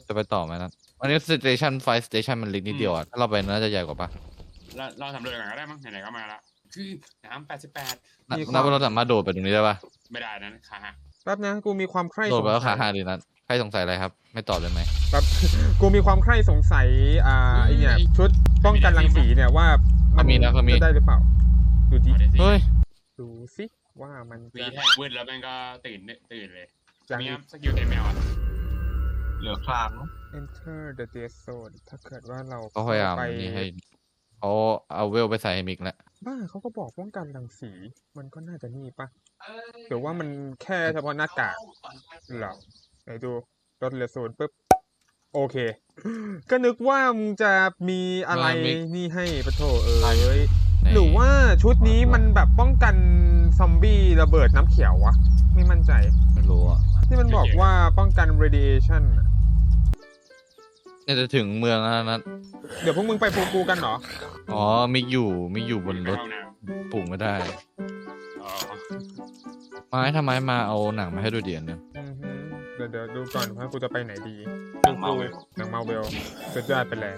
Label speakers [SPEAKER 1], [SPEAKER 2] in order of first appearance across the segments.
[SPEAKER 1] จะไปต่อไหมนะอันนี้สเตชันไฟสเตชันมันเล็กนิดเดียวอ่ะถ้าเราไปน่าจะใหญ่กว่าปะ
[SPEAKER 2] เราสำรวจก่อนก็ได้มั้งไหนๆก็มาละคือน้ำ88
[SPEAKER 1] นับว่าเราสามารถโดดไปตรงนี้ได้ปะ
[SPEAKER 2] ไม่ได้นะขาหัก
[SPEAKER 3] แป๊บนะกูมีความใคร่
[SPEAKER 1] โด
[SPEAKER 3] ส
[SPEAKER 1] ด
[SPEAKER 3] ง
[SPEAKER 1] ไปแล้ว
[SPEAKER 3] สั
[SPEAKER 1] ขาย หักดีนะใครสงสัยอะไรครับ ไม่ตอบเลยไหม
[SPEAKER 3] แป๊บ กูมีความใคร่สงสัยไอเนี่ยชุดป้องกันรังสีเนี่ยว่ามันจะได้หรือเปล่าดูดิ
[SPEAKER 1] เฮ้ย
[SPEAKER 3] ดูสิว่ามัน
[SPEAKER 2] วี
[SPEAKER 3] จะ
[SPEAKER 2] แทกวืดแล้วแม่งก็ตื่นเลย
[SPEAKER 3] ยัง
[SPEAKER 2] มีสกิลเต็มแมวอ่ะ
[SPEAKER 4] เหลือคลางเนอะ
[SPEAKER 3] enter the dead zone ถ้าเกิดว่าเรา
[SPEAKER 1] เขาพยายาม
[SPEAKER 3] ไป
[SPEAKER 1] นี่ให้เขาเอาเวลไปใส่ให้มิกแล้ว
[SPEAKER 3] บ้าเขาก็บอกป้องกันรังสีมันก็น่าจะนี่ปะหรือว่ามันแค่เฉพาะหน้ากากเหรอไหนดูลดเหลือศูนย์ปุ๊บโอเค ก็นึกว่ามึงจะมีอะไรนี่ให้ปะโถเอ้ย หรือว่าชุดนี้มันแบบป้องกันซอมบี้ระเบิดน้ำเขียววะไม่มั่นใจ
[SPEAKER 1] ไม่รู้อ่ะ
[SPEAKER 3] ที่มันบอกว่าป้องกัน radiation อะ
[SPEAKER 1] เนี่ยจะถึงเมืองแล้วนะ
[SPEAKER 3] เดี๋ยวพวกมึงไปฟูกูกันเหรอ
[SPEAKER 1] อ๋อมิกอยู่บนรถ
[SPEAKER 2] ห้องน้
[SPEAKER 1] ปลูกไม่ได้
[SPEAKER 2] ำอ๋อ
[SPEAKER 1] ไม้ทำไมมาเอาหนังมาให้ดูเดียนนึง
[SPEAKER 3] อือหือเดี๋ยวดูก่อนว่ากูจะไปไหนดี
[SPEAKER 4] หนังเมาเวล
[SPEAKER 3] หนังมาเวลสุดยอดไปเลย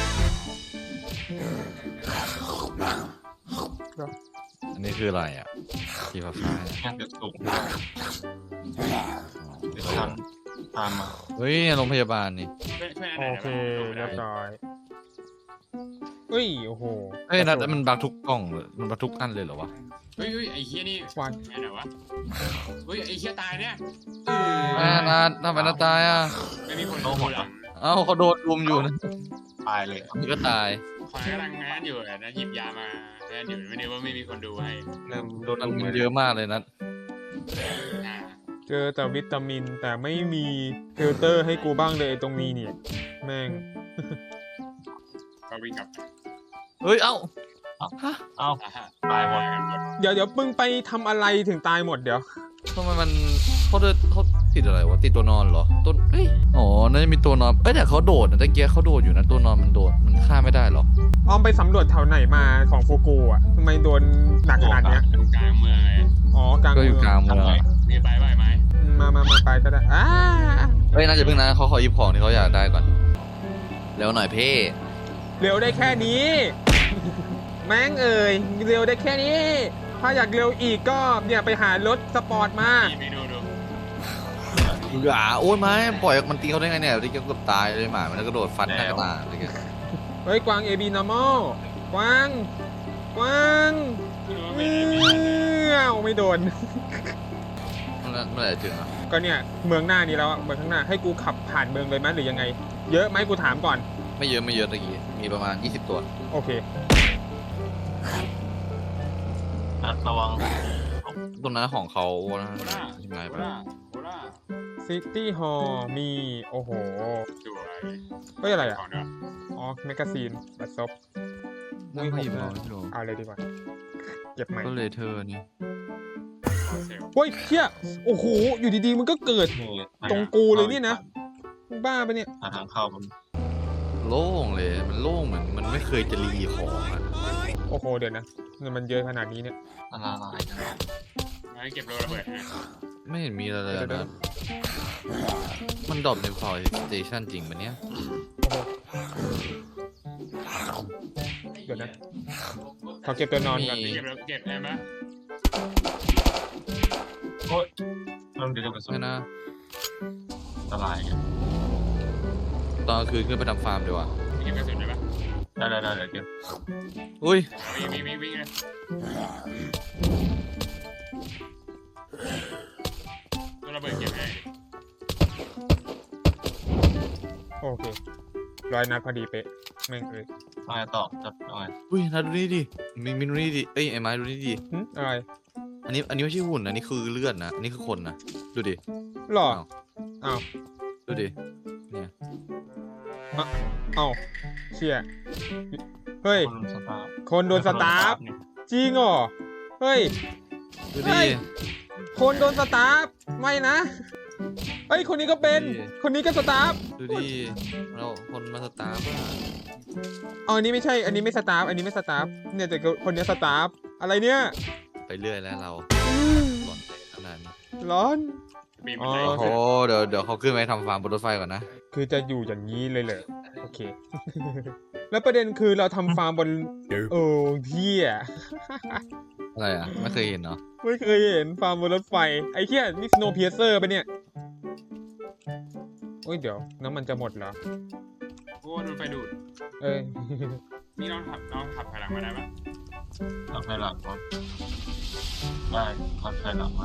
[SPEAKER 1] อันนี้คืออะไรอ่ะสีฟ้าๆเนี่ย
[SPEAKER 4] แค่จะสูงเดี๋ยวทันตามมา
[SPEAKER 1] เฮ้ยโรงพยาบาลนี่
[SPEAKER 2] ช่วยอันไหน
[SPEAKER 3] โอเคเรียบร้อยเฮ้ยโอ้โห
[SPEAKER 1] เฮ้ยนัดมันบักทุกกล่องเลยมันบักทุกอันเลยเหรอวะ
[SPEAKER 2] เฮ้ยไอ้เฮียนี่
[SPEAKER 3] วัน
[SPEAKER 2] ไงไหนวะเฮ้ยไอ้เฮียตายเนี่ย
[SPEAKER 1] แม่นัดทำไมนัดตายอ่ะ
[SPEAKER 2] ไม่มีคนดูหลัง
[SPEAKER 1] เอ้าเขาโดนรุมอยู่นะ
[SPEAKER 4] ตายเลย
[SPEAKER 1] นี่ก็ตาย
[SPEAKER 2] คอยกำลังงานอยู่นะหยิบยามางานอยู่ไม่ได้ว่าไม่มีคนดูให้
[SPEAKER 4] เริ่มโดน
[SPEAKER 1] มัน
[SPEAKER 4] ลุม
[SPEAKER 1] เยอะมากเลยนัด
[SPEAKER 2] อ่า
[SPEAKER 3] เจอแต่วิตามินแต่ไม่มีฟิลเตอร์ให้กูบ้างเลยตรงนี้เนี่ยแม่ง
[SPEAKER 2] ก็วิ่งกลับ
[SPEAKER 1] เฮ้ยเอ้า
[SPEAKER 4] เอ้า
[SPEAKER 2] ตายหมดกันหมด
[SPEAKER 3] เดี๋ยวมึงไปทำอะไรถึงตายหมดเดี๋ยว
[SPEAKER 1] ทำไมมันเขาติดอะไรวะติดตัวนอนเหรอต้นเฮ้ยอ๋อน่าจะมีตัวนอนเอ้ยแต่เขาโดดนะตะเกียเขาโดดอยู่นะตัวนอนมันโดดมันฆ่าไม่ได้หรอ
[SPEAKER 3] ออมไปสำรวจแถวไหนมาของฟูกูอ่ะทำไมโดนหนักขนาดเนี้ย
[SPEAKER 2] อยู่กลางเมืองเลย
[SPEAKER 3] อ๋อกลาง
[SPEAKER 1] ก็
[SPEAKER 3] เมื
[SPEAKER 1] อยู่กลางเมืองอะ
[SPEAKER 2] มีไปไหวไหม
[SPEAKER 3] มาไปก็ได้
[SPEAKER 1] เฮ้ยน่าจะเพิ่งนะเขาขอหยิบของที่เขาอยากได้ก่อนเร็วหน่อยเพ่
[SPEAKER 3] เร็วได้แค่นี้ แม่งเอ่ยเร็วได้แค่นี้ ถ้าอยากเร็วอีกก็เนี่ยไปหารถสปอร์ตมา
[SPEAKER 2] ไปดู
[SPEAKER 1] โอ้ยไม้ปล่อยมันตีเขาได้ไงเนี่ยตะเกียเกือบตายเลยหมามันก็โดดฟันหน้ากระตาตะเกีย
[SPEAKER 3] เฮ้ยกวาง AB normal กวางเงี้ยวไม่โดน
[SPEAKER 1] เมื่อไหร่ถึงอ่ะ
[SPEAKER 3] ก็เนี่ยเมืองหน้านี้แล้วอะเมืองข้างหน้าให้กูขับผ่านเมืองเลยไหมหรือยังไง เยอะไหมกูถามก่อน
[SPEAKER 1] ไม่เยอะตะกี้มีประมาณ20ตัว
[SPEAKER 3] โอเค
[SPEAKER 4] นัดระวัง
[SPEAKER 1] ตรงนั้นของเขานะ
[SPEAKER 2] โคล่า
[SPEAKER 1] ที่ไม้
[SPEAKER 2] โค
[SPEAKER 1] ไป
[SPEAKER 2] ล่า
[SPEAKER 3] ซิตี้ฮอลล์มีโอ้โห
[SPEAKER 2] สวย
[SPEAKER 3] เฮ้ยอะไรอ่ะ
[SPEAKER 2] ของเนาะ
[SPEAKER 3] อ๋อแมกกาซีนบัตรซบ
[SPEAKER 1] นั่งเขาหยิบมาไม่รู้
[SPEAKER 3] เอาเลยดีกว่า เก็บใหม่
[SPEAKER 1] ก็เลยเธอนี่
[SPEAKER 2] เซล
[SPEAKER 3] เฮ้ยเฮียโอ้โห อยู่ดีๆ มันก็เกิด
[SPEAKER 4] นี่
[SPEAKER 3] ตรงกูเลยเนี่ยนะ มึงบ้าปะเนี่ย
[SPEAKER 4] หาทางเข้ามัน
[SPEAKER 1] โล่งเลยมันโล่งเหมือนมันไม่เคยจะรีของอ่ะ
[SPEAKER 3] โอ้โห เดี๋ยวนะเนี่ยมันเยอะขนาดนี้เนี่ย
[SPEAKER 4] อันตรายจัง
[SPEAKER 2] งั้นเก็บโลระเบิดนะ
[SPEAKER 1] ไม่เห็นมีอะไรเลยนะมันดรอปในไฟสเตชันจริงปะเนี่ย
[SPEAKER 3] เดี๋ยวนะ ขอเก็บตัวนอนก่อน
[SPEAKER 2] เก็บแล้วเก็บได้ไหม
[SPEAKER 4] โอ๊ยเริ่มเดี๋ยวจะกระสุน
[SPEAKER 1] ไม่นะ
[SPEAKER 4] อันตรายไง
[SPEAKER 1] ตอนกลางคืนขึ้นไปทำฟาร์มดีกว่า
[SPEAKER 2] เก็บกระสุนได้ปะ
[SPEAKER 4] ได้เดี๋ยวเก็บ
[SPEAKER 1] อุ้ย
[SPEAKER 2] วิ่งเลยโลระเบิดเก็บให้
[SPEAKER 3] โอเค100 นัดพอดีเป๊ะแม่งเอ้ย
[SPEAKER 4] มาต่อจับหน่อย
[SPEAKER 1] อุ้ยนาดูนี่ดิมินดูนี่ดิเอ้ยไอ้ไม้ดูนี่ดิ
[SPEAKER 3] อะไร
[SPEAKER 1] อันนี้ไม่ใช่หุ่นอันนี้คือเลือดนะอันนี้คือคนนะดูดิ
[SPEAKER 3] หรอ
[SPEAKER 1] อ้าว
[SPEAKER 3] อ้าว
[SPEAKER 1] ดูดิเนี่ย
[SPEAKER 3] อ้าวเชี่ยเฮ้ย
[SPEAKER 4] คนสตาร์
[SPEAKER 3] คนโดนสตาร์ฟ
[SPEAKER 4] เนี่ย
[SPEAKER 3] จริงเหรอ เฮ้ย
[SPEAKER 1] ดู
[SPEAKER 3] เฮ้
[SPEAKER 1] ดิ
[SPEAKER 3] ย คนโดนสตาร์ฟไม่นะ เฮ้ย คนนี้ก็เป็น
[SPEAKER 1] นี่
[SPEAKER 3] คนนี้ก็สตาร์ฟ
[SPEAKER 1] ดูดิเราคนมาสตาร์ฟอะ
[SPEAKER 3] อ๋ออันนี้ไม่ใช่ อันนี้ไม่สตาร์ฟ อันนี้ไม่สตาร์ฟ เนี่ยแต่คนนี้สตาร์ฟ อะไรเนี่ย
[SPEAKER 1] ไปเรื่อยแล้วเรา
[SPEAKER 3] อืม
[SPEAKER 1] หล่อนไปขนาดนี้
[SPEAKER 3] ร้อน
[SPEAKER 2] ปีน
[SPEAKER 3] อ๋
[SPEAKER 2] บั
[SPEAKER 3] อ
[SPEAKER 2] นได
[SPEAKER 1] โอ้โหเดี๋ยวเขาขึ้นไปทำฟาร์มบนรถไฟก่อนนะ
[SPEAKER 3] คือจะอยู่อย่างนี้เลยเหรอโอเค แล้วประเด็นคือเราทำฟาร์มบนโอ้ที่อ่ะ
[SPEAKER 1] อะไรอ่ะไม่เคยเห็นเนาะ
[SPEAKER 3] ไม่เคยเห็นฟาร์มบนรถไฟไอ้เหี้ยนี่ Snowpiercer ปะเนี่ยโอ้ยเดี๋ยวน้ำมันจะหมดเหรอ
[SPEAKER 2] โอ้โดนไฟดูด
[SPEAKER 3] เอ้ย
[SPEAKER 2] นี่ลองขับถอยหลังมาได้ปะ
[SPEAKER 4] ทำให้หลังรถได้คอนไฟหลังมา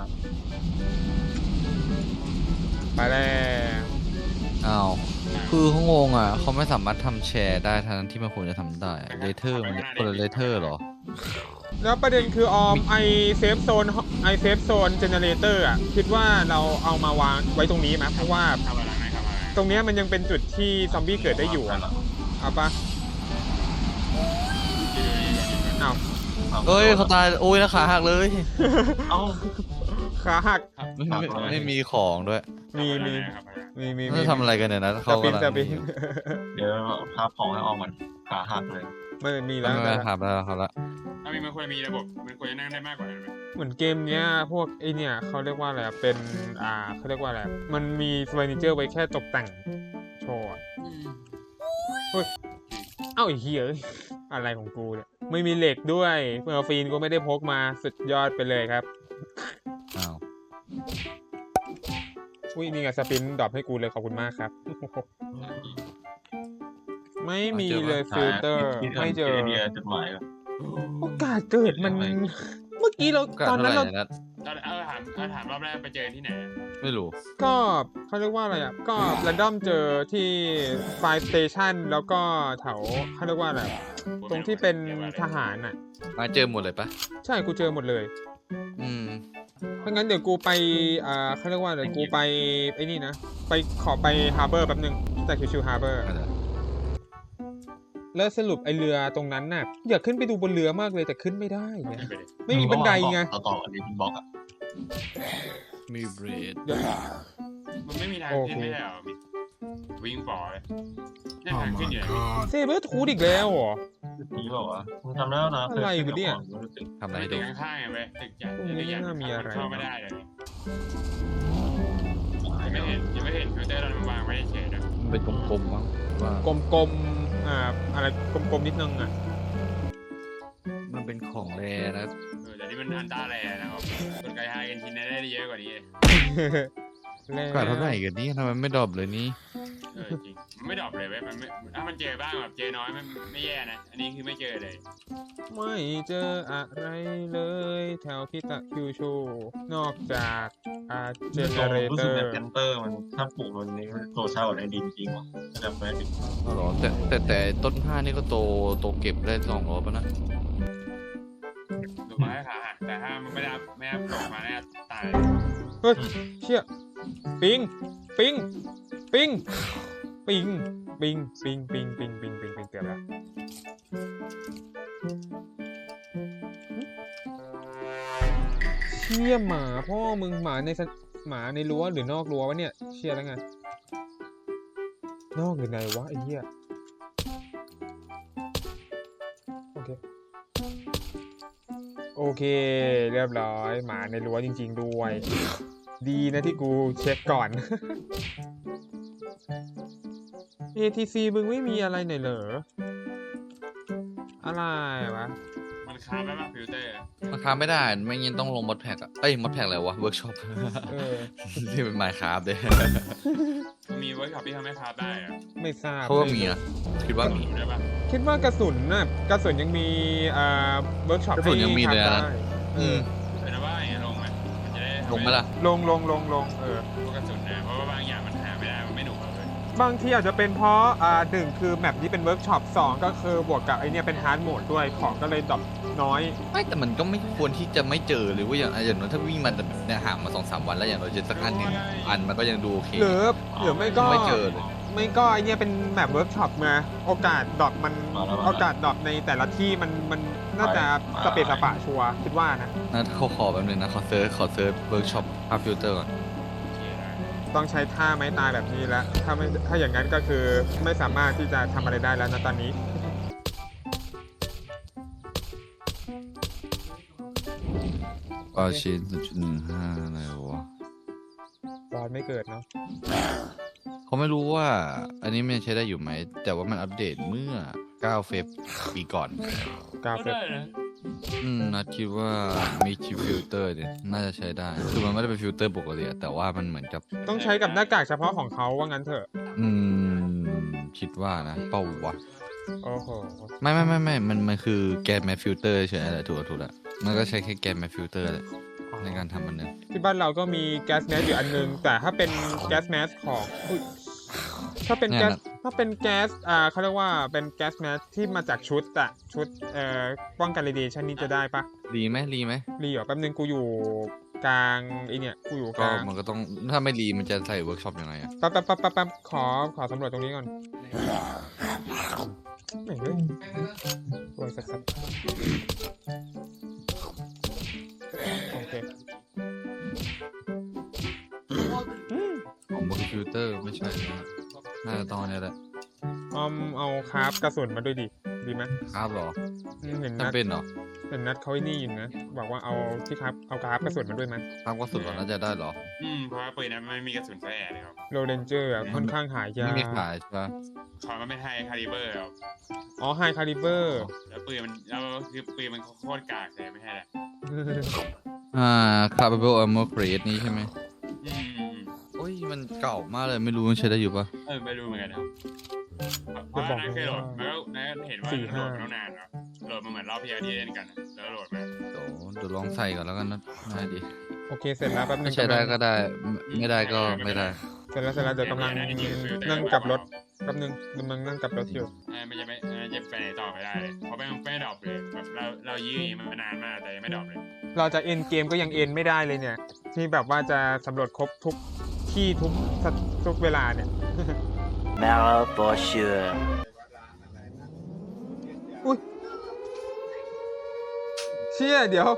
[SPEAKER 3] ไปแล้ว
[SPEAKER 1] อ้าวคือเขางงอ่ะเขาไม่สามารถทำแชร์ได้ทั้งที่มันควรจะทำได้เลเทอร์มันคนละเลเทอร์เหรอ
[SPEAKER 3] แล้วประเด็นคือออมไอเซฟโซนเจเนเรเตอร์อ่ะคิดว่าเราเอามาวางไว้ตรงนี้ไหมเพราะว่า
[SPEAKER 2] ขับถอยหลังไหนขับถอยหลัง
[SPEAKER 3] ตรงเนี้ยมันยังเป็นจุดที่ซอมบี้เกิดได้อยู่อะเอาปะเอา
[SPEAKER 1] เอ้ยเขาตายโอ้ยนะขาหักเลย
[SPEAKER 4] เอ้า
[SPEAKER 3] ขาหัก
[SPEAKER 1] ไม่มีของด้วย
[SPEAKER 3] มี
[SPEAKER 2] ขับถอยหลัง
[SPEAKER 3] มี
[SPEAKER 1] เขาทำอะไรกันเนี่ยนะ
[SPEAKER 3] ส
[SPEAKER 1] เขา
[SPEAKER 3] ปิน
[SPEAKER 1] กำลัง
[SPEAKER 3] สปิน
[SPEAKER 4] เดี๋ยวพาของให้ออกมันขาหักเลย
[SPEAKER 3] ไม่มี
[SPEAKER 1] ไม่
[SPEAKER 3] แล้ว
[SPEAKER 1] ไม่ครับแล้วครับแล้ว
[SPEAKER 2] ถ้ามันควรมีระบบมันควรจะนั่งได้มากกว่านั้นไหม
[SPEAKER 3] เหมือนเกมเนี้ยพวกไอเนี่ยเขาเรียกว่าอะไรอะเป็นเขาเรียกว่าอะไรมันมีเฟอร์นิเจอร์ไว้แค่ตกแต่งโชว์อะเอ้าไอ้เหี้ยเอ้ยอะไรของกูเนี่ยไม่มีเหล็กด้วยเมอร์ฟีนก็ไม่ได้พกมาสุดยอดไปเลยครับ
[SPEAKER 1] อ้าว
[SPEAKER 3] อุ้ยนี่ไงสปินดรอปให้กูเลยขอบคุณมากครับ ไม่มีเลยฟิลเตอร์ไม่เจอ
[SPEAKER 4] เดียจดหมายก่อน
[SPEAKER 3] โอกาสเกิดมัน เมื่อกี้เรา
[SPEAKER 1] กา
[SPEAKER 3] ตอน
[SPEAKER 1] เท่า
[SPEAKER 3] นั้น
[SPEAKER 1] ไหร่
[SPEAKER 3] เรา
[SPEAKER 1] นะ
[SPEAKER 2] ถามรอบแรกไปเจอที่ไหน
[SPEAKER 1] ไม่รู้
[SPEAKER 3] ก็เขาเรียกว่าอะไรอ่ะก็แรนดอมเจอที่ไฟสเตชันแล้วก็แถวเขาเรียกว่าอะไรตรงที่เป็นทหารอ่ะ
[SPEAKER 1] มาเจอหมดเลยปะ
[SPEAKER 3] ใช่กูเจอหมดเลย
[SPEAKER 1] อืม
[SPEAKER 3] เพราะงั้นเดี๋ยวกูไปเขาเรียกว่าเดี๋ยวกูไปไอ้นี่นะไปขอไปฮาร์เบอร์แป๊บนึงแต่คือชิวฮาร์เบอร์ แล้วสรุปไอเรือตรงนั้นน่ะอยากขึ้นไปดูบนเรือมากเลยแต่ขึ้นไม่ได้ไงไม่มีบันไดไง
[SPEAKER 4] ต่ออันนี้เป็นบล็อกอ่ะ
[SPEAKER 1] มีเบรด
[SPEAKER 3] เดี๋ยว
[SPEAKER 2] มันไม่มีทางขึ้นไม่ได้หรอวิ่งฝ่อเลยนี่ทางขึ้นอยู่ไหน
[SPEAKER 3] เซเบอร์ทูดอีกแล้วเหรอ
[SPEAKER 4] นี่เปล่าวะมึงทำแล้วนะ
[SPEAKER 3] อะไรวะเนี่ย
[SPEAKER 1] ทำอะไรให้
[SPEAKER 2] ตึ
[SPEAKER 1] ดู
[SPEAKER 2] กข้างๆไงเว้ยตึกใหญ่
[SPEAKER 3] ตรงนี้
[SPEAKER 2] ตึกใหญ่
[SPEAKER 3] น่ามีอะไร
[SPEAKER 2] เข้าไม่ได้เลยยังไม่เห็นฟิลเตอร์เราวางไว้เฉยๆนะ
[SPEAKER 1] มันเป็นกลมๆมั้งว่าก
[SPEAKER 3] ลมๆอะไรกลมๆนิดนึงอ่ะ
[SPEAKER 1] มันเป็นของแรนะ
[SPEAKER 2] แต่นี่มันอันตราแลนะครับกดไกด์ไฮกันทีได้เยอะกว่านี้
[SPEAKER 3] แล้ว
[SPEAKER 1] กาเท่าไหร่กันนี่ทำไมไม่ดรอปเลยนี่
[SPEAKER 2] จริงมันไม่ดรอปเลยเว้ยมันไม่ถ้ามันเจอบ้างแบบเจอน้อยไม่แย่นะอันนี้คือไม่เจอเลย
[SPEAKER 3] ไม่เจออะไรเลยแถวคิตะคิวชูนอกจากเจเนเร
[SPEAKER 4] รู้
[SPEAKER 3] เต
[SPEAKER 4] สึ
[SPEAKER 3] อก
[SPEAKER 4] แบบ
[SPEAKER 3] ร์
[SPEAKER 4] แคนเตอร์มันถ้าปลูกมันนี้โตเช่าในดินจริงว่ะจำไม่ได้
[SPEAKER 1] อ๋อเหรอแต่ต้นผ้านี่ก็โตเก็บได้2 รอบแล้วนะ
[SPEAKER 2] ถูกไหมขาหักแต่ถ้ามันไม่ได้ตกมาเนี่ยตาย
[SPEAKER 3] เฮ้ยเชี่ยปิงปิงปิงปิงปิงปิงปิงปิงปิงปิงปิงเกือบแล้วเชี่ยหมาพ่อมึงหมาในรั้วหรือนอกรั้ววะเนี่ยเชี่ยแล้วไงนอกหรือในวะไอ้เหี้ยโอเคเรียบร้อยหมาในรั้วจริงๆด้วยดีนะที่กูเช็คก่อน ATC มึงไม่มีอะไรหน่อยเหรออะไรวะ
[SPEAKER 2] มันค้าไปป่ะฟิลเตอร์
[SPEAKER 1] ราคาไม่ได้ไม่งั้นต้องลงมอดแพ็กอะเอ้ยมอดแพ็กอะไรวะเวิร์กช็อป
[SPEAKER 3] เออ
[SPEAKER 1] ที่เป็นไมค์คราฟเลย
[SPEAKER 2] มันมีเวิร์กช็อปที่ทำให้ค้าได้อะ
[SPEAKER 3] ไม่ทราบ
[SPEAKER 1] เขาว่ามีนะคิดว่ามี
[SPEAKER 2] ดูได้ป่ะ
[SPEAKER 3] คิดว่ากระสุนน่ะกระสุนยังมีเวิร์กช็อป
[SPEAKER 1] กระสุนยังมีเลยนะ
[SPEAKER 3] ได้เออ
[SPEAKER 2] เป็นว่าอย่างเงี้ยลงไหมมันจะได้
[SPEAKER 1] ลงไหมล่ะ
[SPEAKER 3] ลงเออ
[SPEAKER 2] พวกกระสุนนะเพราะว่าบางอย่างมันหาไม่ได้มันไม่หนุกเลย
[SPEAKER 3] บางทีอาจจะเป็นเพราะหนึ่งคือแมปนี้เป็นเวิร์กช็อปสองก็คือบวกกับไอเนี่ยเป็นฮาร์ดโหมดด้วยของก็เลยดรอปน้อย
[SPEAKER 1] ไม่แต่มันก็ไม่ควรที่จะไม่เจอหรือว่าอย่างน้อยถ้าวิ่งมาแบบเนี่ยห่างมา2-3 วันแล้วอย่างน้อยเจอสักอันหนึ่งอันมันก็ยังดูโอเค
[SPEAKER 3] หรือไม่ก็
[SPEAKER 1] ไม่เจอเลย
[SPEAKER 3] ไม่ก็ไอเนี่ยเป็นแมปเวิร์กช็อปมาโอกาสดรอปมันโอกาสดรอปในแต่ละที่มันน่าจะสเปซสปะชัวร์คิดว่านะ
[SPEAKER 1] นะเขาขอแบบนึงนะขอเซิร์ชเวิร์กช็อปภาพฟิลเตอร์ก่อน
[SPEAKER 3] ต้องใช้ท่าไม้ตายแบบนี้แล้วถ้าอย่างนั้นก็คือไม่สามารถที่จะทำอะไรได้แล้วนะตอนนี้
[SPEAKER 1] ปาชิน0.15อะไรวะ
[SPEAKER 3] โออนไม่เกิดเนาะ
[SPEAKER 1] เขาไม่รู้ว่าอันนี้มันยังใช้ได้อยู่ไหม แต่ว่ามันอัปเดตเมื่อ 9 เฟบปีก่อน
[SPEAKER 3] กา
[SPEAKER 2] ก็
[SPEAKER 3] เฟ
[SPEAKER 2] ได้นะ
[SPEAKER 1] นัดคิดว่ามีชิปฟิลเตอร์เนี่ยน่าจะใช้ได้ คือมันไม่ได้เป็นฟิลเตอร์ปกติอะแต่ว่ามันเหมือนกับ
[SPEAKER 3] ต้องใช้กับหน้ากากเฉพาะของเขาว่างั้นเถอะ
[SPEAKER 1] อืคิดว่านะเป้าวะ
[SPEAKER 3] โอ้โห
[SPEAKER 1] ไม่มันคือแกนแมฟฟิลเตอร์เฉยๆแหละถูกแล้วมันก็ใช้แค่แกนแมฟฟิลเตอร์แหละในการทำมันนึง
[SPEAKER 3] ที่บ้านเราก็มีแก๊สแมสอยู่อันนึง แต่ถ้าเป็นแก๊สแมสของอุ๊ยถ้าเป็นแก๊สเขาเรียกว่าเป็นแก๊สแมสที่มาจากชุดป้องกันเรดิเอชันนี้จะได้ปะ
[SPEAKER 1] รีไหม
[SPEAKER 3] รีเหรอแป๊บนึงกูอยู่กลางไอเนี่ยกูอยู่ก
[SPEAKER 1] ก็
[SPEAKER 3] ลาง
[SPEAKER 1] มันก็ต้องถ้าไม่รีมันจะใส่เวิร์กช็อปยังไงอะ
[SPEAKER 3] แป๊บขอสำรวจตรงนี้ก่อนไหนเว้ยรวยสัสโอเค
[SPEAKER 1] ของบนฟิลเตอร์ไม่ใช่นะน่าจะต้องอันนี้แหละ
[SPEAKER 3] เอาคราฟกระสุนมาด้วยดิดีไหม
[SPEAKER 1] ครับหรอ
[SPEAKER 3] เห็นนัด
[SPEAKER 1] จำเป็นเหรอ
[SPEAKER 3] เขาไอ้นี่อยู่นะบอกว่าเอาที่ครับเอาคราฟกระสุนมาด้วยไหม
[SPEAKER 1] ครับก็สุดแล้วน่าจะได้เหรอ
[SPEAKER 2] เพราะว่าปืนนั้นไม่มีกระสุนแฝงเลยครับ
[SPEAKER 3] โรเดนเจอร์ค่อนข้างหายาก
[SPEAKER 1] ไม่มีขายใช่ปะ
[SPEAKER 2] เขามันไม่ไฮคาลิเบอร์ครับ
[SPEAKER 3] อ๋อไฮคาลิเบอร์
[SPEAKER 2] แล้วปืนมันโคตรกากเลยไม่ใช่แหละ
[SPEAKER 1] Capable Armor Crate นี้ใช่ไหม
[SPEAKER 2] อืม
[SPEAKER 1] โอ้ยมันเก่ามากเลยไม่รู้มันใช้ได้อยู่ปะ
[SPEAKER 2] ไม่รู้เหมือนกันครับเพราะว่านั่นเคยโหลดแล้วเห็นว่าโหลดมาตั้งนานแล้วโหลดมาเหมือนรอบที่แล้วที่เล่นกันแล้วโหลดมา
[SPEAKER 1] เดี๋ยวลองใส่ก่อนแล้วกันนะได้ดิ
[SPEAKER 3] โอเคเสร็จแล้วแป๊บนึ
[SPEAKER 1] ไม่
[SPEAKER 3] ง
[SPEAKER 1] ใช้ได้ก็ได้ไม่ได้ก็ไม่ได้
[SPEAKER 3] เสร็จแล้วเดี๋ยวกำลังนั่งกลับรถแป๊บนึงกำลังนั่งกลับรถอยู่
[SPEAKER 2] ไม่จะไปไหนต่อไปได้เลยเพราะไม่ดรอปเลยแบบเรายื้อมานานมากแต่ยังไม่ดรอปเลย
[SPEAKER 3] เราจะเอ็นเกมก็ยังเอ็นไม่ได้เลยเนี่ย ที่แบบว่าจะสำรวจครบทุกที่ทุกเวลาเนี่ย
[SPEAKER 5] Marrow for sure.
[SPEAKER 3] อุ้ยเชี่ยเดี๋ยว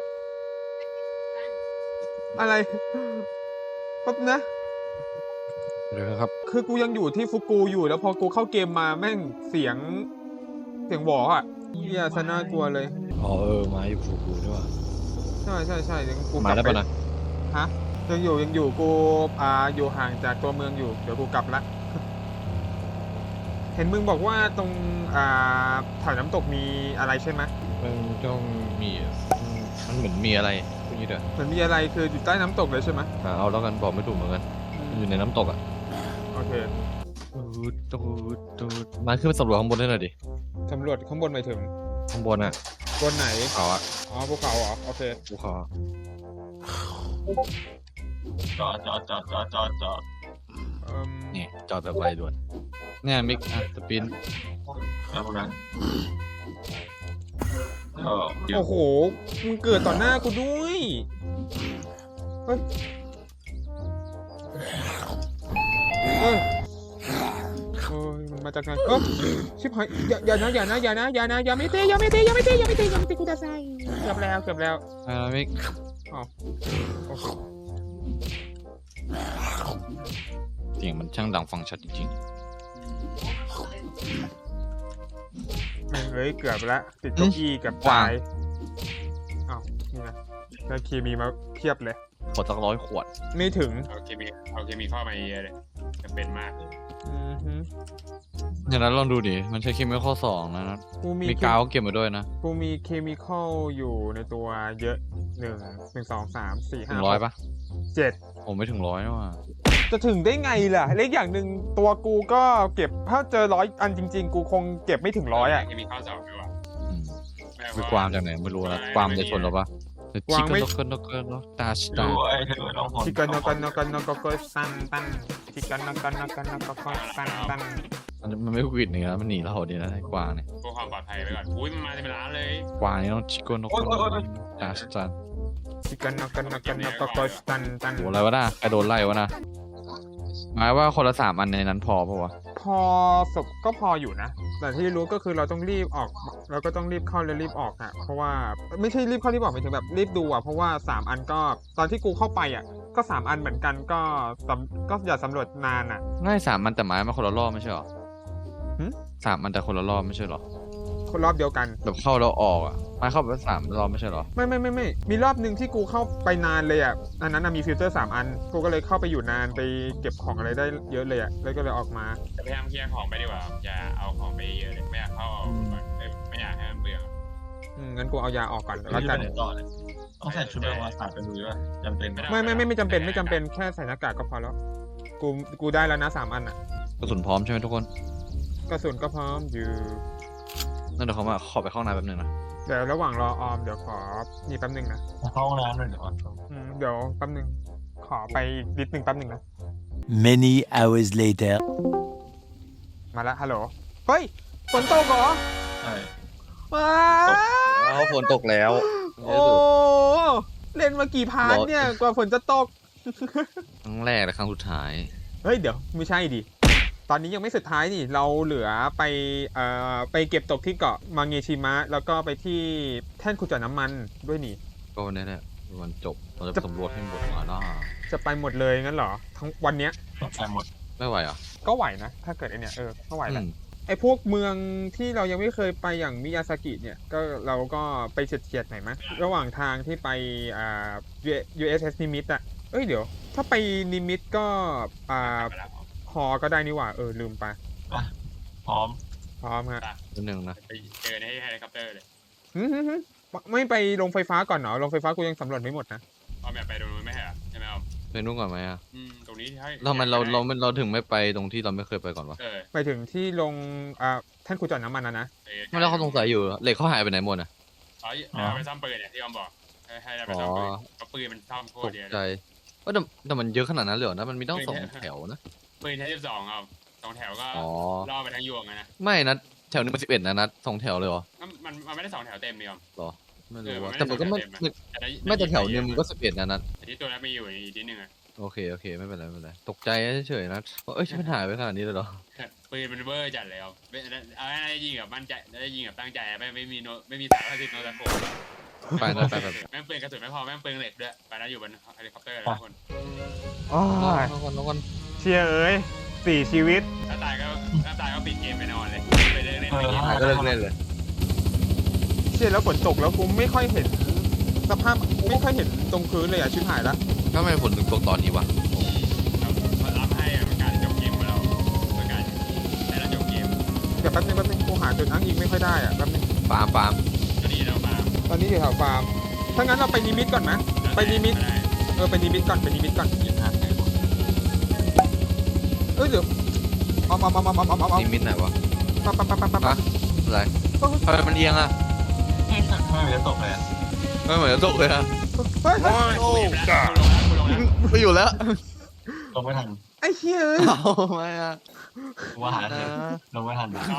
[SPEAKER 3] อะไรปั๊บนะ
[SPEAKER 1] เดี๋ยวครับ
[SPEAKER 3] คือกูยังอยู่ที่ฟุกูอยู่แล้วพอกูเข้าเกมมาแม่งเสียงหวออ่ะเฮียซะน่ากลัวเลย
[SPEAKER 6] อ๋อมาอยู่ฟูกูด้วยว่ะ
[SPEAKER 3] ใช่ยังกู
[SPEAKER 6] มาได้ปะนะ
[SPEAKER 3] ฮะยังอยู่กูอยู่ห่างจากตัวเมืองอยู่เดี๋ยวกูกลับละ เห็นมึงบอกว่าตรงแถวน้ำตกมีอะไรใช่ไหม
[SPEAKER 6] มันต้องมีมันเหมือนมีอะไรพวกนี้เด้อ
[SPEAKER 3] เหมือนมีอะไรคืออยู่ใต้น้ำตกเลยใช่ไหม
[SPEAKER 6] เอาแล้วกันบอกไม่ถูกเหมือนกันมันอยู่ในน้ำตกอ่ะ
[SPEAKER 3] โอเค
[SPEAKER 6] ตูดมาขึ้นไปสำรวจข้างบนได้หน่อยดิ
[SPEAKER 3] สำรวจข้างบนไปถึง
[SPEAKER 6] ข้างบนอ่ะ
[SPEAKER 3] บนไหน
[SPEAKER 6] เขาอ่ะ
[SPEAKER 3] อ๋อภูเขาเหรอโอเค
[SPEAKER 6] ภูเขา
[SPEAKER 4] จอด
[SPEAKER 1] นี่จอดแบบไวด่วนเนี่ยมิกสปิน
[SPEAKER 4] แล้วพวกนั้นก็
[SPEAKER 3] โอ้โหมึงเกิดต่อหน้ากูด้วยเฮ้ยโอ้ยมันมาจากไหนชิบหายอย่าไม่เตะกูจะใส่เกือบแล้ว
[SPEAKER 1] มิก
[SPEAKER 3] โอเค
[SPEAKER 1] เสียงมันช่างดังฟังชัดจริง
[SPEAKER 3] แม่งเลยเกือบละติดเก้าอี้กับตายอ้าวนี่นะได้เคมีมาเพียบเลย
[SPEAKER 1] ๆขอสัก100 ขวด
[SPEAKER 3] ไม่ถึง
[SPEAKER 2] เอาเคมีเข้ามาเยอะเลยจำเป็นมาก
[SPEAKER 3] อือฮึ
[SPEAKER 1] อย่างนั้นลองดูดิมันใช้เคมีข้อ2นะ
[SPEAKER 3] กูมี
[SPEAKER 1] มีกาวเก็บมาด้วยนะ
[SPEAKER 3] กูมีเคมีคอลอยู่ในตัวเยอะ1 2 3 4
[SPEAKER 1] ถึง
[SPEAKER 3] 5
[SPEAKER 1] 100ปะ
[SPEAKER 3] 7
[SPEAKER 1] ผมไม่ถึง100นะว่ะ
[SPEAKER 3] จะถึงได้ไงล่ะเล็กอย่างหนึ่งตัวกูก็เก็บถ้าเจอ100 อันจริงๆ กูคงเก็บไม่ถึง100อ่ะ
[SPEAKER 2] เคมีเข้าสอบด้วยว่ะ
[SPEAKER 1] อืมคือกวางจากไหนไม่รู้นะกวางจะชนเราปะ
[SPEAKER 3] กวางไม่
[SPEAKER 1] ชิคกันนกกันนกตาชตา
[SPEAKER 4] ด้วยน้องผล
[SPEAKER 3] ชิกันนกันตันชิกันนกันตัน
[SPEAKER 1] มันไม่กวิดเนื้อมันหนีเราดีนะไอ้กวางเนี่ย
[SPEAKER 2] เพื่อความปลอดภัยไว้ก่อนอุ้ยมันมาเป็นล้านเลย
[SPEAKER 1] กวางนี่ต้องชิคกันนกตาชตา
[SPEAKER 3] ชิกันนกันตัน
[SPEAKER 1] โหอะไรวะน่ะใครโดนไล่วะน่ะหมายว่าคนละ3 อันในนั้นพอปะวะ
[SPEAKER 3] พอศพก็พออยู่นะ แต่ที่รู้ก็คือเราต้องรีบออกแล้วก็ต้องรีบเข้าและรีบออกอะเพราะว่าไม่ใช่รีบเข้ารีบออกหมายถึงแบบรีบดูอะเพราะว่า3 อันก็ตอนที่กูเข้าไปอะก็3 อันเหมือนกันก็อย่าสำรวจนานอะ
[SPEAKER 1] ง่าย3 อันแต่หมายมาคนละรอบไม่ใช่หรอ
[SPEAKER 3] หึ
[SPEAKER 1] 3 อันแต่คนละรอบไม่ใช่หรอ
[SPEAKER 3] รอบเดียวกัน
[SPEAKER 6] แบบเข้าแล้วออกอ่ะมาเข้าไป3 รอบไม่ใช่เหรอ
[SPEAKER 3] ไม่มีรอบหนึ่งที่กูเข้าไปนานเลยอ่ะอันนั้นนะมีฟิลเตอร์3 อันกูก็เลยเข้าไปอยู่นานไปเก็บของอะไรได้เยอะเลยอ่ะแล้วก็เลยออกมา
[SPEAKER 2] แต่พยายามเคลียร์ของไปดีกว่าอย่าเอาของไปเยอะเลยไม่อยากเข้าเอาไม่อยากให้มันเบื่อ
[SPEAKER 3] งั้นกูเอายาออกก่อน
[SPEAKER 4] แล้
[SPEAKER 3] แล้ว ว
[SPEAKER 4] กั
[SPEAKER 3] กัน น
[SPEAKER 4] ต่อเลยต้องใส่ชุดแบบว่าสาดไปดูด้วยจำเป็นไหม
[SPEAKER 3] ไม่จำเป็นแค่ใส่หน้ากากก็พอแล้วกูได้แล้วนะ3 อันอ่ะ
[SPEAKER 6] กระสุนพร้อมใช่ไหมทุกคน
[SPEAKER 3] กระสุนก็พร้อมอยู่
[SPEAKER 6] นั่นเดี๋ยวเขามาขอไปเข้าห้องน้ำแป๊บนึงนะ
[SPEAKER 3] เดี๋ยวระหว่างรอออมเดี๋ยวขอนี่แป๊บนึงนะ
[SPEAKER 4] เข้าห้องน้ำหน่อยเดี๋ยว
[SPEAKER 3] เดี๋ยวแป๊บนึงขอไปนิดนึงแป๊บนึงนะ
[SPEAKER 5] Many hours later.
[SPEAKER 3] มาแล้วฮัลโหลเฮ้ยฝนตกเหรอ
[SPEAKER 4] ใช่
[SPEAKER 3] ว้า
[SPEAKER 6] แล้วฝนตกแล้ว
[SPEAKER 3] โอ้เล่นมากี่พาร์ทเนี่ยกว่าฝนจะตก
[SPEAKER 6] ครั้งแรกและครั้งสุดท้าย
[SPEAKER 3] เฮ้ยเดี๋ยวไม่ใช่ดิตอนนี้ยังไม่สุดท้ายนี่เราเหลือไปเก็บตกที่เกาะมังเงชิมะแล้วก็ไปที่แท่นขุดเจาะน้ำมันด้วยนี่
[SPEAKER 6] ก็วันนี้แหละวันจบเราจะไปสำรวจให้หมดมาหน้า
[SPEAKER 3] จะไปหมดเลยงั้นเหรอทั้งวันเนี้ย
[SPEAKER 4] ต้องใส่หมด
[SPEAKER 6] ไม่ไหวอ่ะ
[SPEAKER 3] ก็ไหวนะถ้าเกิดไอเนี่ยก็ไหวแหละ
[SPEAKER 6] อืม
[SPEAKER 3] ไอพวกเมืองที่เรายังไม่เคยไปอย่างมิยาซากิเนี่ยก็เราก็ไปเฉียดๆหน่อยมั้ยระหว่างทางที่ไปUSS นิมิตอะเอ้ยเดี๋ยว ถ้าไปนิมิตก็ฮอก็ได้นี่หว่าลืมไป
[SPEAKER 4] พร้อม
[SPEAKER 3] พร้อมฮะ
[SPEAKER 6] นิดนึงนะ
[SPEAKER 2] ไปเจอในเฮลิคอปเตอร์เลย
[SPEAKER 3] หึไม่ไปลงไฟฟ้าก่อนเหรอลงไฟฟ้ากูยังสำรวจไม่หมดนะ
[SPEAKER 2] เอาแบบไปตรงนู้นไม่ใช่เหรอใช่ไหมเอา
[SPEAKER 6] ไปนู่นก่อนไหมอ่ะ
[SPEAKER 2] ตรงนี้ให้
[SPEAKER 6] ทำไมเราถึงไม่ไปตรงที่เราไม่เคยไปก่อนวะ
[SPEAKER 3] ไปถึงที่ลงแท่านขุดเจาะน้ำมันนะ
[SPEAKER 6] ไม่แล้วเขาสงสัยอยู่เหล็กเขาหายไปไหนหมดอ่ะ
[SPEAKER 2] เอาไปซ่อมปืนเนี่ยที่ออมบอกให้เราไปซ่อมปืนเพราะปืนมันซ่อมโค
[SPEAKER 6] ต
[SPEAKER 2] ตร
[SPEAKER 6] ก
[SPEAKER 2] เยอะ
[SPEAKER 6] ใจว่าแต่มันเยอะขนาดนั้นเลยเหรอนะมันมีต้อง2 แถวนะ
[SPEAKER 2] ปืนใช้12เอา2 แถวก็
[SPEAKER 6] อ๋อ
[SPEAKER 2] ล่อไปทั้งยวงนะ
[SPEAKER 6] ไม่นะแถวนึงมัน11นะนัด2 แถวเลยเหรอ
[SPEAKER 2] มันไม่ได้2 แถวเต็มนี่ออม
[SPEAKER 6] หรอไม่รู้ว่า
[SPEAKER 2] เออ
[SPEAKER 6] แต่มันก็ไม่ไม่แต่แถวนึงมันก็11นะนัด
[SPEAKER 2] แต่ที่ตัวนั้นมีอยู่อีกนิดนึงอะ
[SPEAKER 6] โอเคไม่เป็นไรตกใจเฉยๆนะว่าฉันมันหายไปขนาดนี้เลยเหรอ
[SPEAKER 2] ปืนมันเวอร์จัดเลยเอาได้ยิงแบบมั่นใจได้ยิงแบบตั้งใจไม่มีสารพัดโนตะโขบ
[SPEAKER 6] ไปแบบ
[SPEAKER 2] แม่งปืนกระสุนไม่พอแม่งปืนเหล็กด้วยไปนะอยู่บนเฮลิคอปเตอร์ทุกคน
[SPEAKER 3] อ๋อ
[SPEAKER 6] น้องคน
[SPEAKER 3] เชียเอ้ย4 ชีวิต
[SPEAKER 2] ถ้าตายก็ปิดเกมไปนอนเลยไปเล่นเกม
[SPEAKER 6] หายก็เลิกเล่นเลย
[SPEAKER 3] เชียแล้วฝนตกแล้วกูไม่ค่อยเห็นสภาพไม่ค่อยเห็นตรงพื้นเลยชิบหายละ
[SPEAKER 6] ก็ไม่ผลถึงตกตอนนี้วะ
[SPEAKER 2] รับให้มันการจบเกมของเราเป็นการได้เราจบเกม
[SPEAKER 3] เดี๋ยวแป๊บนึงกูหาจุดอ้างอิงไม่ค่อยได้แป๊บนึง
[SPEAKER 6] ฟาร์ม
[SPEAKER 2] ก็ดีเรามา
[SPEAKER 3] ตอนนี้อยู่แถวฟาร์มถ้างั้นเราไปนิมิตก่อนไหมไปนิมิตไปนิมิตก่อนเเดี๋ยวเอา
[SPEAKER 6] นิมิตไหนวะ
[SPEAKER 3] ปั๊บ
[SPEAKER 6] อะไรทำไมมันเอียงอ่ะ
[SPEAKER 4] ไม่มีจะตกเลย
[SPEAKER 6] ไม่เหมือนจะตกเลยอ่ะ
[SPEAKER 3] เฮ้ย
[SPEAKER 2] โอ้จ้าลงแล้ว
[SPEAKER 6] ไปอยู่แล้ว
[SPEAKER 4] ลงไม่ทัน
[SPEAKER 3] ไอ้เหี้ย
[SPEAKER 6] เอาไม่อ่ะ
[SPEAKER 4] ว่าหาเถอะลงไม่ทัน
[SPEAKER 2] มา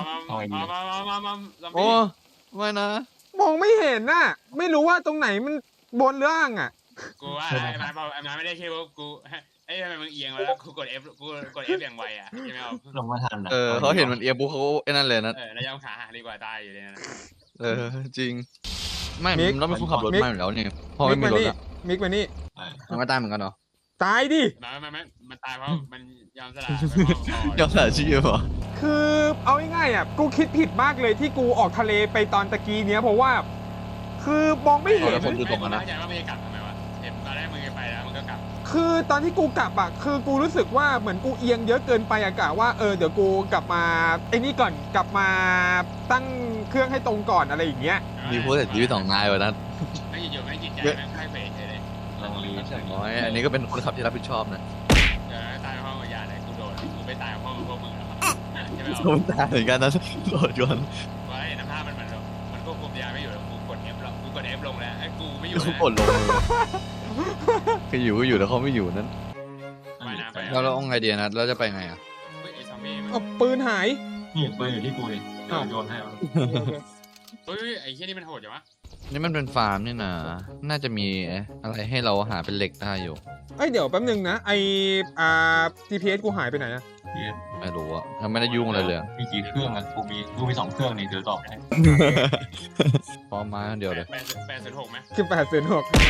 [SPEAKER 6] โอ้ไม่นะ
[SPEAKER 3] มองไม่เห็นน่ะไม่รู้ว่าตรงไหนมันบนล่างอ่ะ
[SPEAKER 2] กูว่าไอ้มาไม่ได้ชื่อว่ากูไอ้ทำไมมึงเอียงแล้วกูกด F อย่างไวอ่ะใช่ไหมเอา
[SPEAKER 4] ลงไม่ทัน
[SPEAKER 6] เขาเห็นมันเอียงปุ๊บเขาไอ้นั่นเลยนะ
[SPEAKER 2] แล้วย่ำขาหักดีกว่าตายอยู่เลยนะ
[SPEAKER 6] จริงไม่เราไม่คุ้ขับรถมาอยู่แล้วนี่พอไม่มีรถอ่ะ
[SPEAKER 3] มิกมานี่
[SPEAKER 6] มันไม่ตายเหมือนกันเหรอ
[SPEAKER 3] ตายดิ
[SPEAKER 2] มันตายเพราะมันยอมสละ
[SPEAKER 6] ยอมสละชีพเหรอ
[SPEAKER 3] คือเอาง่ายๆอ่ะกูคิดผิดมากเลยที่กูออกทะเลไปตอนตะกี้เนี้ยเพราะว่าคือมองไม่เห็น
[SPEAKER 2] ไม่เข้าใจว่ามันจะกลับทำไมวะเห็นตอนแรกมึงไปแล้วมันก็กลับ
[SPEAKER 3] คือตอนที่กูกลับอ่ะคือกูรู้สึกว่าเหมือนกูเอียงเยอะเกินไปอะกะว่าเดี๋ยวกูกลับมาไอ้นี่ก่อนกลับมาตั้งเครื่องให้ตรงก่อนอะไรอย่างเงี้ย
[SPEAKER 6] มีผู้เสียชีวิต2 นายวะนั้น
[SPEAKER 2] ไม่อยู่ไม่จิตใจไม่ค่อยเฟรเลย
[SPEAKER 4] ลงรีใช่ไหม
[SPEAKER 6] น้อยอันนี้ก็เป็นคนขับที่รับผิดชอบนะ
[SPEAKER 2] ตายเพราะยาเลยกูโดนกูไปตายเพราะพวกมึงแล้วใช่ไหม
[SPEAKER 6] โดนตายเหมือนกันนะโดนยน
[SPEAKER 2] ว่าไอ้น้ำผ้ามันควบคุมยาไม่อยู่แล้วกูกด F ลงกูกด F ลงแล้วไอ้กูไม่อยู่
[SPEAKER 6] เขากดลงคืออยู่ก็อยู่แล้วเขาไม่อยู่นั้น
[SPEAKER 2] ว่ายน้ำไป
[SPEAKER 6] แล้วเราเอาไงดีนะเราจะไปไงอ่ะ
[SPEAKER 2] ไอ้ซอมบี้มัน
[SPEAKER 3] เอาปืนหาย
[SPEAKER 4] นี่ปืนอยู่ที่กูเลยโยนให้
[SPEAKER 2] เฮ้ยไอ้เหี้ยนี่มันโหดจังวะ
[SPEAKER 6] นี่มันเป็นฟาร์มนี่นะน่าจะมีอะไรให้เราหาเป็นเหล็กได้อยู่
[SPEAKER 3] เดี๋ยวแป๊บนึงนะGPS กูหายไปไหนอะ
[SPEAKER 6] ไม่รู้อะยังไม่ได้ยุ่งอะไรเลย
[SPEAKER 4] มีกี่เครื่องอ่ะกูมี2 เครื่องนี่เดี๋ยวตอบให้
[SPEAKER 6] พร้อมมาเดียวเลย
[SPEAKER 2] 806ไหม
[SPEAKER 3] คือ806
[SPEAKER 2] เดี๋ยว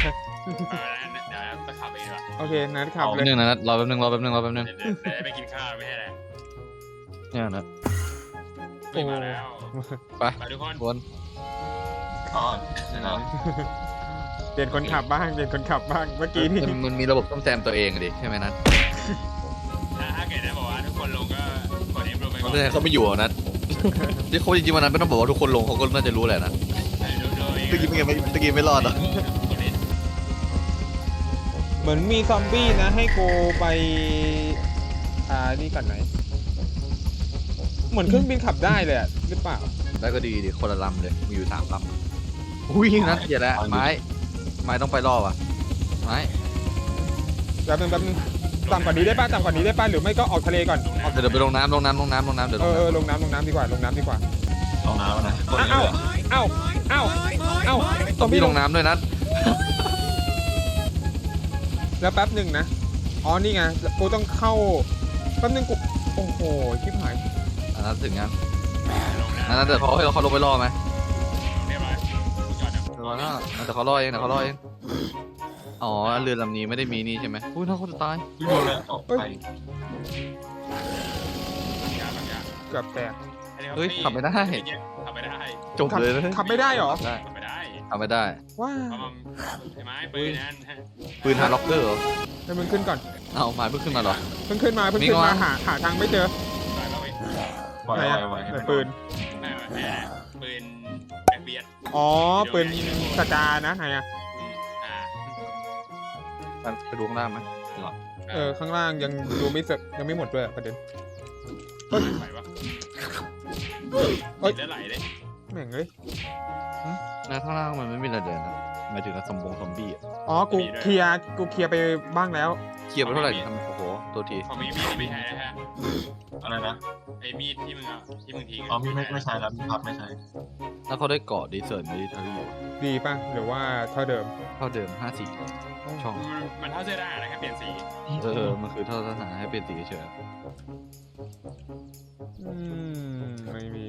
[SPEAKER 2] ไปขับเองดีกว่า
[SPEAKER 3] โอเคนัดขับ
[SPEAKER 6] เอา
[SPEAKER 3] เลย
[SPEAKER 6] หนึ่งนะรอแป๊บนึง
[SPEAKER 2] เดี๋ยวไปกินข้าวไม่ใช่อะไร
[SPEAKER 6] เนี่ยนะ
[SPEAKER 2] ไม่มาแล้ว
[SPEAKER 1] ไป
[SPEAKER 2] ไปทุกคน
[SPEAKER 1] วน
[SPEAKER 4] อ๋อเดี๋ยวนะ
[SPEAKER 3] เปลี่ยนคนขับบ้างเปลี่ยนคนขับบ้างเมื่อกี้นี่
[SPEAKER 1] มันมีระบบซ่อมแซมตัวเองดิใช่ไหมนัท
[SPEAKER 2] ถ้าเกิดได้บอกว่าทุกคนลงก็กดเอฟลงไปก่
[SPEAKER 1] มั
[SPEAKER 2] อน น
[SPEAKER 1] เลยเขาไม่อยู่อ่ะนัทที่เขาจริงๆวันนั้นไม่ต้องบอกว่าทุกคนลงเขาก็น่าจะรู้แหละนะ ตะกี้ไม่รอดเหรอ
[SPEAKER 3] เหมือนมีซอมบี้นะให้โกไปนี่ก่อนไหนเหมือนเครื่องบินขับได้เลยอะหรือเปล่า
[SPEAKER 1] แล้วก็ดีดิคนละลำเลยมีอยู่3 ลำอุ้ยนัทอย่าละไม้ต้องไปรอบอ่ะไม้
[SPEAKER 3] แป๊บนึงต่ำกว่านี้ได้ป่ะต่ำกว่านี้ได้ป่ะหรือไม่ก็ออกทะเลก่อน
[SPEAKER 1] เดี๋ยวไปลงน้ำเดี๋ยวลงน้ำ
[SPEAKER 3] ลงน้ำดีกว่าลงน้ำดีกว่า
[SPEAKER 4] ลงน้ำนะ
[SPEAKER 3] เอ้าซอม
[SPEAKER 1] พี่
[SPEAKER 3] บี้
[SPEAKER 1] ลงน้ำด้วยนัท
[SPEAKER 3] แล้วแป๊บหนึ่งนะอ๋อนี่ไงกูต้องเข้าแป๊บนึงกูโอ้โหชิบหาย
[SPEAKER 1] อันนั้นถึงงั้น
[SPEAKER 2] ลงนะ
[SPEAKER 1] อันนั้นเดี๋ยวเขาลงไปรอไหม
[SPEAKER 2] เรียบร้อยจอดนะ
[SPEAKER 1] เดี๋ยวเขารอเองอ๋อเรือลำนี้ไม่ได้มีนี่ใช่ไหมอุ้ยน่าเขาจะตาย
[SPEAKER 4] พี่โดนเลยออกไป
[SPEAKER 2] ยาบางอย่าง
[SPEAKER 3] เกือบแตก
[SPEAKER 1] เฮ้ยขับไม่ได้
[SPEAKER 2] ขับไม่ได้
[SPEAKER 1] จบเลยนะ
[SPEAKER 3] ขับไม่ได้เหรอ
[SPEAKER 1] ได้
[SPEAKER 2] ขับไม่ได้
[SPEAKER 1] ทำไม่ได้
[SPEAKER 3] ว้า
[SPEAKER 2] เพราะมันใช่ไหมปืนนั่น
[SPEAKER 1] ปืนฮาร์ดล็อกเกอร์เหรอ
[SPEAKER 3] ให้มึงขึ้นก่อน
[SPEAKER 1] เอาไม้เพิ่งขึ้นมาเหรอ
[SPEAKER 3] เพิ่งขึ้นมา
[SPEAKER 1] มีก่อน
[SPEAKER 3] หาทางไม่เจอ
[SPEAKER 2] ต่อยบ้างไหม
[SPEAKER 4] ปล่อย
[SPEAKER 3] ไหน
[SPEAKER 4] ไว้
[SPEAKER 3] อะ
[SPEAKER 4] ไว้
[SPEAKER 3] ไหนปืน
[SPEAKER 2] ไม่ปืนแบ็คเบียด
[SPEAKER 3] อ๋อปืนสกานะไหนอะ
[SPEAKER 1] ไปดูข้างล่างไหม
[SPEAKER 3] ข้างล่างยังดูไม่เสร็จยังไม่หมดด้วยอะประเด็น
[SPEAKER 2] ไหวปะ
[SPEAKER 3] เอ้ย
[SPEAKER 2] เลือดไหลเลย
[SPEAKER 3] แม่งเอ้ย
[SPEAKER 1] นะข้างล่างมันไม่มีอะไรเลยนะหมายถึงซอมบี้อะ
[SPEAKER 3] อ๋อกูเคลียร์ไปบ้างแล้ว
[SPEAKER 1] เคลียร์ไปเท่าไหร่ทำโอ้โหตัวที
[SPEAKER 2] พอมีมีดไม่ใช่นะฮะ
[SPEAKER 4] อะไรนะ
[SPEAKER 2] ไอ้มีดที่มึงเอาที่มึงทิ้ง
[SPEAKER 4] อ๋อไม่ใช่แล้วมีพับไม่ใช่
[SPEAKER 1] แล้วเขาได้เกาะดีเซิร์นมิลิเทอรี่
[SPEAKER 3] ดีป่ะหรือว่าเท่าเดิม
[SPEAKER 1] เท่าเดิม54ช่อง
[SPEAKER 2] มันเท่าเสื้อได้นะแค่เปลี่ยนสี
[SPEAKER 1] มันคือเท่าสถานะให้เป็นสีเฉย
[SPEAKER 3] ไม่มี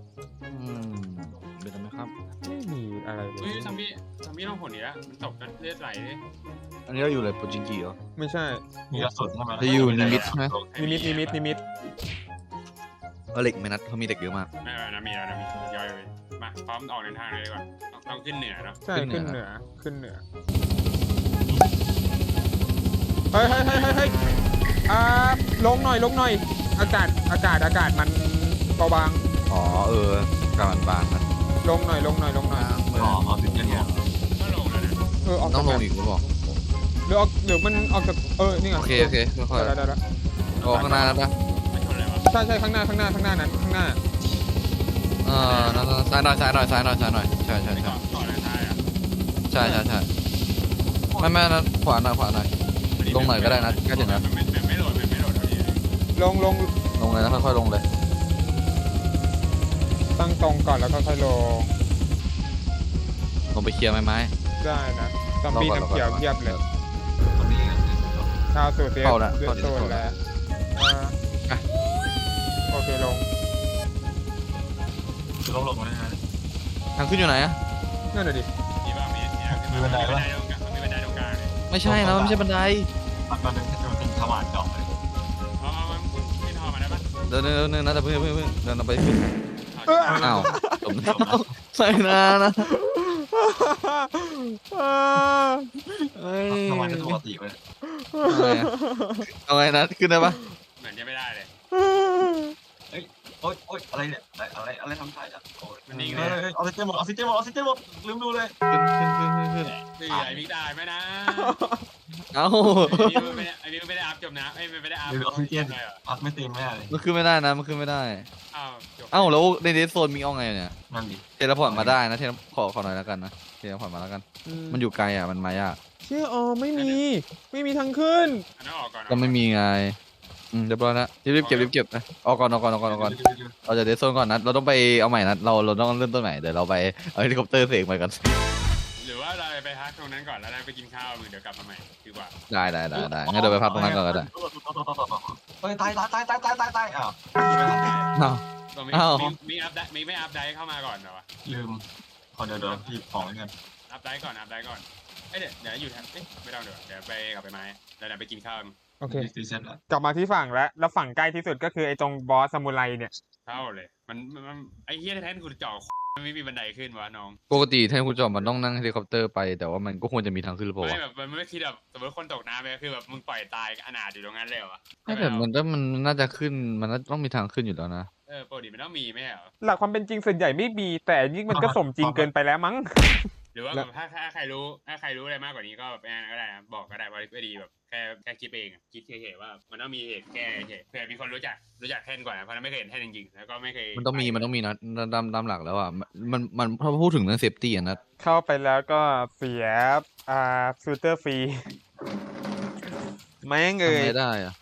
[SPEAKER 1] เป็นไหมครับ
[SPEAKER 3] ไม่มีอะไรเล
[SPEAKER 2] เฮ้ย
[SPEAKER 3] ย
[SPEAKER 2] ซัมบี้ต้องผลดีแล้วมันตกเลือดไหลเลย
[SPEAKER 1] อันนี้เราอยู่เลยโปรจิงกีเหรอ
[SPEAKER 3] ไม่ใช่
[SPEAKER 4] มีกระสุนใช่ไหม
[SPEAKER 1] จะอยู่นิมิตใช่ไหม
[SPEAKER 3] นิมิต
[SPEAKER 1] เหล็กไหมนัดเขามีเหล็กเยอะมาก
[SPEAKER 2] ไม่นะมีแล้วนะมีย่อยไปมาพร้อมออกเดินทางเลยดีกว่าต้องขึ้นเหนือเนาะ
[SPEAKER 3] ใช่
[SPEAKER 1] ขึ้
[SPEAKER 3] ขึ้
[SPEAKER 1] น
[SPEAKER 3] น
[SPEAKER 1] เห
[SPEAKER 3] เห
[SPEAKER 1] นื
[SPEAKER 3] นื
[SPEAKER 1] อ
[SPEAKER 3] เฮ้ยลงหน่อยอากาศมันเบาบาง
[SPEAKER 1] อ๋อกำมันบางนะ
[SPEAKER 3] ลงหน่อย
[SPEAKER 4] อ๋อเอาถึงจะเนี่ย
[SPEAKER 2] ก็ลงแล้วนะ
[SPEAKER 3] ออก
[SPEAKER 1] ต้องลง
[SPEAKER 3] จาก
[SPEAKER 1] อีกหรือเปล่า
[SPEAKER 3] หรือมันออกจากนี่ไง
[SPEAKER 1] โอเคค่อย
[SPEAKER 3] ได้
[SPEAKER 1] ๆออกข้างหน้าแล้วปะ
[SPEAKER 2] ไม่ชนเลยวะ
[SPEAKER 3] ใช่ข้างหน้านั้นข้างหน้า
[SPEAKER 1] ซ้ายหน่อยใช่
[SPEAKER 2] ไม่เกาะเดินท้ายอ่ะ
[SPEAKER 1] ใช่ไม่นะขวาหน่อยลงหน่อยก็ได้นะใกล้ถึงแล้ว
[SPEAKER 2] มันไม่โหลดเท่านี้
[SPEAKER 3] ลง
[SPEAKER 1] ลงเลยนะค่อยๆลงเลย
[SPEAKER 3] ตั้งตรงก่อนแล้วก็ค่อยลง
[SPEAKER 1] ลงไปเคลียร์ไม้
[SPEAKER 3] ได้นะซอมบี้น้ำเขียวเทียบเลย
[SPEAKER 4] ตรงนี้
[SPEAKER 3] ข้าวสูตรเรียบ
[SPEAKER 1] เข้าละ
[SPEAKER 3] เลือดสูตรแล้วโอเคลง
[SPEAKER 4] คือลงมาได้นะ
[SPEAKER 1] ทางขึ้นอยู่ไหนอะ
[SPEAKER 3] นั่นน่ะดิ
[SPEAKER 2] มีบ้างมีบันไดตรงกลางเลย
[SPEAKER 1] ไม่ใช่นะไม่ใช่บันได
[SPEAKER 4] มันเป็นสว่านเจาะเลย
[SPEAKER 2] มันขึ้นหอมาได้ปะ
[SPEAKER 1] เดินนะแต่เพิ่งเดินไปขึ้นอ้าวจมน้ำใส่นานะ
[SPEAKER 4] สว่านเป็นปกติเลย
[SPEAKER 1] เอาไงนะขึ้นได้ปะ
[SPEAKER 2] เหมือนจะไม่ได้เลย
[SPEAKER 4] โอ๊ยอะไรเนี่ยอะไรทำท่าอ่ะโอ๊ย
[SPEAKER 2] มันนิ่ง
[SPEAKER 4] เฮ้
[SPEAKER 2] เลย ย
[SPEAKER 4] ออกซิเจนหมดลืมดูเลย
[SPEAKER 1] ขึ้น
[SPEAKER 2] คือไอ้บิ๊กได้ไหมนะ
[SPEAKER 1] เอ้า
[SPEAKER 2] ไอ้บิ๊กไม่ได้อัพจมนะไม่ได้อัพ
[SPEAKER 4] ลืมออกซิเจนอัพไม่เต็มแม่เลย
[SPEAKER 1] มันขึ้นไม่ได้นะมันขึ้นไม่ได้
[SPEAKER 2] อ้าวจบ
[SPEAKER 1] เอ้าแล้วในเดสโซนมีเอาไงเนี่ย
[SPEAKER 4] นั่นดิ
[SPEAKER 1] เทเลพอร์ตมาได้นะขอหน่อยแล้วกันนะเทเลพอร์ตมาแล้วกัน มันอยู่ไกลอ่ะมันมายาก
[SPEAKER 3] เชื่อไม่มีทางขึ้น
[SPEAKER 2] อันนั้นออกก่อน
[SPEAKER 1] ก็ไม่มีไงเรียบร้อยแล้วรีบเก็บนะออกก่อนเราจะเดสโซนก่อนนะเราต้องไปเอาใหม่นะเราต้องเริ่มต้นใหม่เดี๋ยวเราไปเอาเฮลิคอปเตอร์เสกไปกัน
[SPEAKER 2] หรือว่าเราไปพักตรงนั้นก่อนแล้วไปกินข้าวมึงเดี๋ยวกลับมาใหม่ดีกว่า
[SPEAKER 1] ได้งั้นเดี๋ยวไปพักตรงนั้นก่อนก็ได้
[SPEAKER 4] เฮ้ยตายอ้าว
[SPEAKER 1] อ้าว
[SPEAKER 2] มีอัพได้ไม่อัพได้เข้ามาก่อนเหรอวะ
[SPEAKER 4] ลืมขอเดี๋ยวพี่ของเงิน
[SPEAKER 2] อัพได้ก่อนเดี๋ยวอยู่แถบไม่ต้องเดี๋ยวไปกลับไปไม้เดี๋ยวไปกินข้าว
[SPEAKER 3] โอเค
[SPEAKER 4] ตีเสร็จแล้ว
[SPEAKER 3] กลับมาที่ฝั่งแล้วฝั่งใกล้ที่สุดก็คือไอ้ตรงบอสซามูไรเนี่ย
[SPEAKER 2] เท่าเลยมันไอ้เหี้ยแทนกูเจาะมันไม่มีบันไดขึ้นวะน้อง
[SPEAKER 1] ปกติแทนคุณจอมมันต้องนั่งเฮลิคอปเตอร์ไปแต่ว่ามันก็ควรจะมีทางขึ้นหรือเปล่า
[SPEAKER 2] ไม่
[SPEAKER 1] วะ
[SPEAKER 2] แบบมันไม่คิดแบบสมมติคนตกน้ำไปคือแบบมึงปล่อยตายอนาถอยู่ตรงนั้นเลยเหรอวะ
[SPEAKER 1] ไม่แต่มันน่าจะขึ้นมันน่าต้องมีทางขึ้นอยู่แล้วนะ
[SPEAKER 2] ปกติมันต้องมีไม่ใช่เหรอ
[SPEAKER 3] หลักความเป็นจริงส่วนใหญ่ไม่มีแต่อันนี่มันก็สมจริงเกินไปแล้วมั้ง
[SPEAKER 2] หรือว่า
[SPEAKER 3] แล้ว
[SPEAKER 2] แบบถ้าใครรู้อะไรมากกว่านี้ก็แบบก็ได้นะบอกก็ได้เพราะก็ดีแบบแค่คิดเองอะคิดเฉยๆว่ามันต้องมีเหตุแก้เฉยเผื่อมีคนรู้จักแท่นก่อนนะเพราะนั้นไม่เคยเห็นแท่นจริงๆแล้วก็ไม่เคย
[SPEAKER 1] มันต้องมีนะตามหลักแล้วอ่ะมันพอพูดถึงเรื่องเซฟตี้อ่ะนะ
[SPEAKER 3] เข้าไปแล้วก็เสียฟิลเตอร์ฟรีแม่งเอ่
[SPEAKER 1] ทำ
[SPEAKER 3] ย
[SPEAKER 1] ไงได้อ่ะ